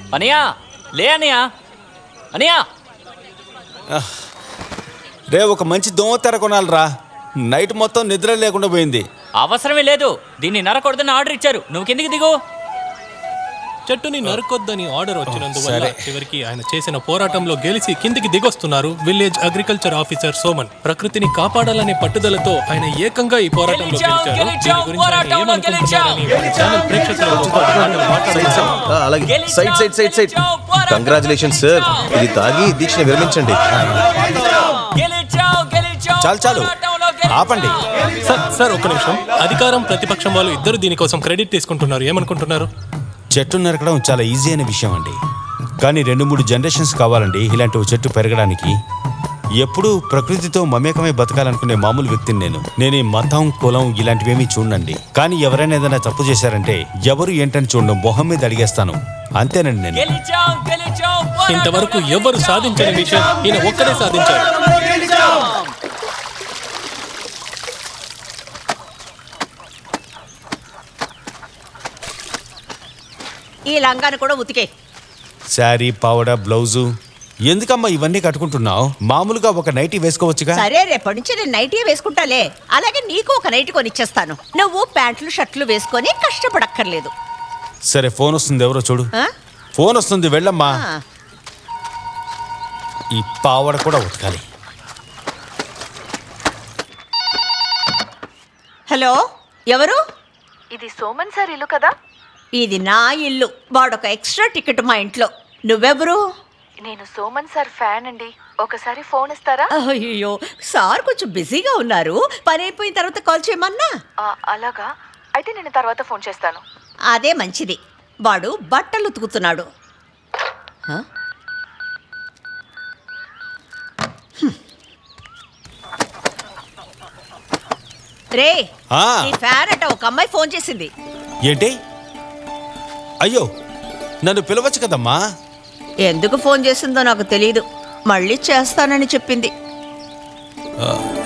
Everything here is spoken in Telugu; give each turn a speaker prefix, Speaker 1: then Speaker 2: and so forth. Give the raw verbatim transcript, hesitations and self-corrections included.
Speaker 1: అనియా లే అనియా అనియా
Speaker 2: రే ఒక మంచి దోమ తెర కొనాలిరా. నైట్ మొత్తం నిద్ర లేకుండా పోయింది.
Speaker 1: అవసరమే లేదు, దీన్ని నరకొడదని ఆర్డర్ ఇచ్చారు. నువ్వు కిందికి దిగు.
Speaker 3: చెట్టుని నరకొద్దని ఆర్డర్ వచ్చినందువల్ల చివరికి ఆయన చేసిన పోరాటంలో గెలిచి కిందికి దిగొస్తున్నారు విలేజ్ అగ్రికల్చర్ ఆఫీసర్ సోమన్. ప్రకృతిని కాపాడాలనే పట్టుదలతో ఆయన ఏకంగా ఈ పోరాటంలో గెలిచారు. దీని గురించి ఆయన ఏమనుకుంటున్నారని ఛానల్ ప్రేక్షకులతో మాట్లాడుతున్నారు.
Speaker 4: అలాగే side side side side congratulations sir. ఇది తాగి దీక్షను విరమించండి.
Speaker 2: చాలు చాలు ఆపండి.
Speaker 3: సార్ సార్ ఒక్క నిమిషం. అధికారం ప్రతిపక్షం వాళ్ళు ఇద్దరు దీనికోసం క్రెడిట్ తీసుకుంటున్నారు. ఏమనుకుంటున్నారు?
Speaker 2: చెట్టు నరకడం చాలా ఈజీ అయిన విషయం అండి, కానీ రెండు మూడు జనరేషన్స్ కావాలండి ఇలాంటి ఓ చెట్టు పెరగడానికి. ఎప్పుడూ ప్రకృతితో మమేకమై బతకాలనుకునే మామూలు వ్యక్తిని నేను. నేను ఈ మతం కులం ఇలాంటివేమీ చూడండి, కానీ ఎవరైనా ఏదైనా తప్పు చేశారంటే ఎవరు ఏంటని చూడడం, మొహం మీద అడిగేస్తాను. అంతేనండి నేను.
Speaker 3: ఇంతవరకు ఎవరు సాధించని విషయం ఈయన ఒక్కడే సాధించారు.
Speaker 5: ఈ లంగాను కూడా ఉతికే.
Speaker 2: శారీ పావడ బ్లౌజు ఎందుకమ్మా ఇవన్నీ కట్టుకుంటున్నావు? మామూలుగా ఒక నైటీ వేసుకోవచ్చుగా.
Speaker 5: సరే రేపటి నుంచి నేను నైటీ వేసుకుంటాలే. అలాగే నీకు ఒక నైటీ కొనిచ్చేస్తాను. నువ్వు ప్యాంట్లు షర్ట్లు వేసుకొని కష్టపడక్కర్లేదు.
Speaker 2: సరే ఫోన్ వస్తుంది, ఎవరో చూడు.
Speaker 5: ఆ?
Speaker 2: ఫోన్ వస్తుంది, వెళ్ళమ్మా.
Speaker 5: ఆ.
Speaker 2: ఈ పావడ కూడా ఉతకాలి.
Speaker 5: హలో, ఎవరు?
Speaker 6: ఇది సోమన్ సార్ ఇల్లు కదా?
Speaker 5: ఇది నా ఇల్లు. వాడొక ఎక్స్ట్రా టికెట్ మా ఇంట్లో. నువ్వెవరు?
Speaker 6: నేను సోమన్ సార్ ఫ్యాన్ అండి. ఒకసారి ఫోన్ ఇస్తారా?
Speaker 5: అయ్యో, సార్ కొంచెం బిజీగా ఉన్నారు. పని అయిపోయిన తర్వాత కాల్ చేయమన్నా.
Speaker 6: ఆ, అలాగా అయితే నేను తర్వాత ఫోన్ చేస్తాను.
Speaker 5: అదే మంచిది. వాడు బట్టలు ఉతుకుతున్నాడు. హ? హ్మ్. రే,
Speaker 2: ఆ.
Speaker 5: నీ ఫ్యాన్ అట ఒక అమ్మాయి ఫోన్ చేసింది.
Speaker 2: ఏంటి? అయ్యో, నన్ను పిలవచ్చు కదమ్మా.
Speaker 5: ఎందుకు ఫోన్ చేసిందో నాకు తెలియదు. మళ్ళీ చేస్తానని చెప్పింది.
Speaker 2: ఆ,